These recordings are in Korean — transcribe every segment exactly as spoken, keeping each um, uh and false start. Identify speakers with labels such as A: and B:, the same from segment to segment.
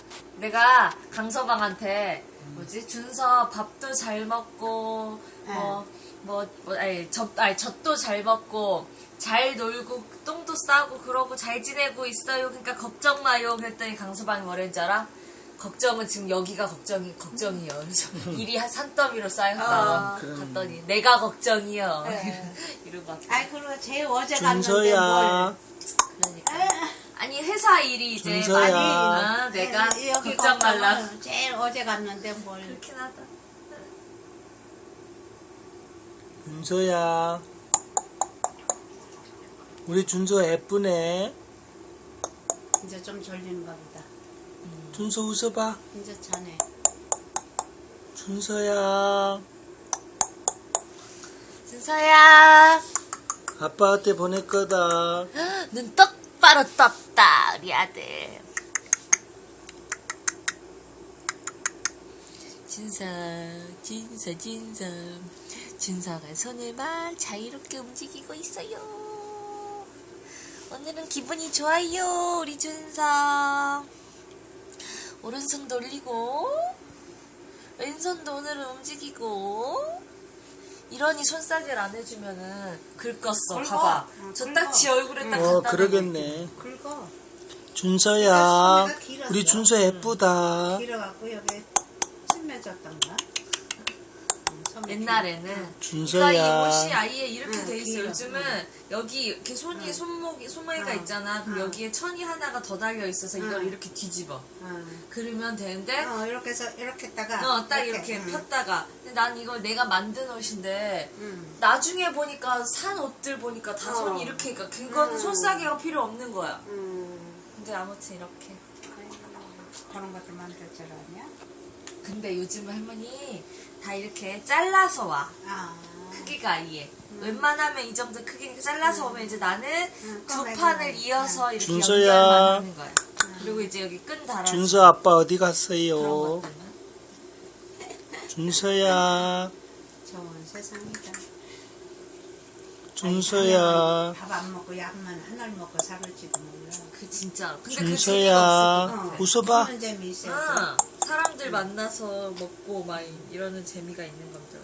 A: 내가 강서방한테 뭐지 준서 밥도 잘 먹고 뭐 뭐 뭐 아니 젖 아니 젖도 잘 먹고 잘 놀고 똥도 싸고 그러고 잘 지내고 있어요. 그러니까 걱정 마요. 그랬더니 강서방이 뭐랬는 줄 알아? 걱정은 지금 여기가 걱정이 걱정이요. 그래서 일이 한 산더미로 쌓였다.
B: 어,
A: 갔더니 내가 걱정이요.
C: 네.
A: 이러고 왔다.
C: 아이 그리고 제일 어제 갔는데
B: 준서야.
A: 그러니까. 아니 회사 일이 이제
B: 준서야.
A: 많이 아, 내가
C: 뭘 여기
A: 걱정 말라.
C: 걱정은 제일 어제 갔는데 뭘
A: 그렇긴 하다.
B: 준서야. 우리 준서 예쁘네.
C: 이제 좀 졸리는가 보다.
B: 준서 웃어봐.
C: 이제 자네.
B: 준서야.
A: 준서야.
B: 아빠한테 보낼 거다.
A: 눈 똑바로 떴다 우리 아들. 준서 준서 준서 준서가 손을 막 자유롭게 움직이고 있어요. 오늘은 기분이 좋아요 우리 준서. 오른손 돌리고 왼손도 오늘은 움직이고. 이러니 손싸개를 안 해주면은 긁었어.
C: 긁어.
A: 봐봐.
C: 응,
A: 저
C: 긁어.
A: 딱지 얼굴에 딱
B: 어,
A: 갖다 대고
B: 그러겠네.
C: 긁어.
B: 준서야.
C: 소리가 길었어.
B: 우리 준서 예쁘다.
C: 길어갖고 여기 침 맺었던가. 응, 섬에
A: 옛날에는
C: 길- 응.
B: 준서야.
A: 그러니까 이 옷이 아예 이렇게
C: 응,
A: 돼 있어.
C: 길어.
A: 요즘은 여기 이렇게 손이 손목이 손목이가
C: 응.
A: 있잖아. 그럼
C: 응.
A: 여기에 천이 하나가 더 달려 있어서 이걸
C: 응.
A: 이렇게 뒤집어.
C: 응.
A: 그러면 되는데
C: 어, 이렇게 해서 이렇게 했다가
A: 어, 딱 이렇게
C: 응.
A: 폈다가. 근데 난 이걸 내가 만든 옷인데
C: 응.
A: 나중에 보니까 산 옷들 보니까 다
C: 어.
A: 손이 이렇게 그러니까 그거는
C: 응.
A: 손싸개가 필요 없는 거야.
C: 응.
A: 근데 아무튼 이렇게.
C: 그런 것도 만들 줄 아냐?
A: 근데 요즘 할머니 다 이렇게 잘라서 와.
C: 아.
A: 크기가 아예. 웬만하면 이 정도 크기니까 잘라서 오면 이제 나는
C: 응,
A: 두
C: 꺼내고.
A: 판을 이어서 이렇게
B: 준서야.
A: 연결만 하는 거야. 그리고 이제 여기 끈 달아.
B: 준서 아빠 어디
A: 그런
B: 갔어요?
A: 것들은.
B: 준서야.
C: 좋은 세상이다.
B: 준서야.
C: 밥 안 먹고 약만 하나를 먹고 살을지도 몰라.
A: 그 진짜. 근데 그 재미가
B: 준서야.
A: 없을 것 같아.
B: 웃어봐.
C: 그런 재미 있어요.
A: 응. 사람들 만나서 먹고 막 이러는 재미가 있는 겁니다.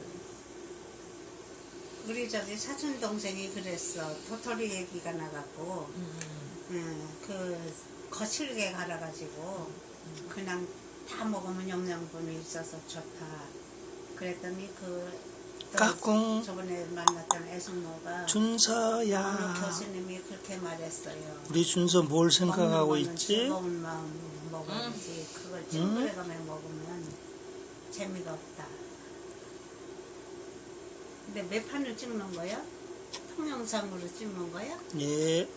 C: 우리 저기 사촌 동생이 그랬어. 도토리 얘기가 나갖고,
A: 음.
C: 음, 그 거칠게 갈아가지고 그냥 다 먹으면 영양분이 있어서 좋다. 그랬더니 그 또
B: 까꿍.
C: 저번에 만났던 애숙모가 어느
B: 준서야.
C: 교수님이 그렇게 말했어요.
B: 우리 준서 뭘 생각하고
C: 먹는 거는
B: 있지?
C: 즐거운 마음 먹어야지. 그걸 친구에 가면 먹으면 재미가 없다. 근데 몇 판을 찍는 거야? 동영상으로 찍는 거야?
B: 예.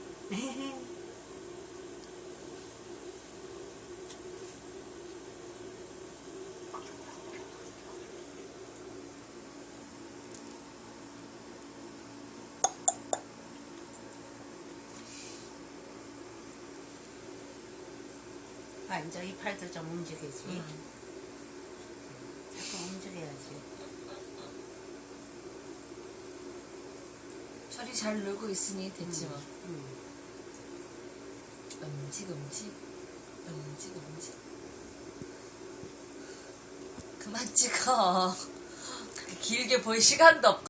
C: 아, 이제 이 팔도 좀 움직이지.
A: 음.
C: 자꾸 움직여야지.
A: 철이 잘 놀고 있으니 됐지 뭐.
C: 음.
A: 음직 음직 음직 음직. 그만 찍어. 그렇게 길게 볼 시간도 없고.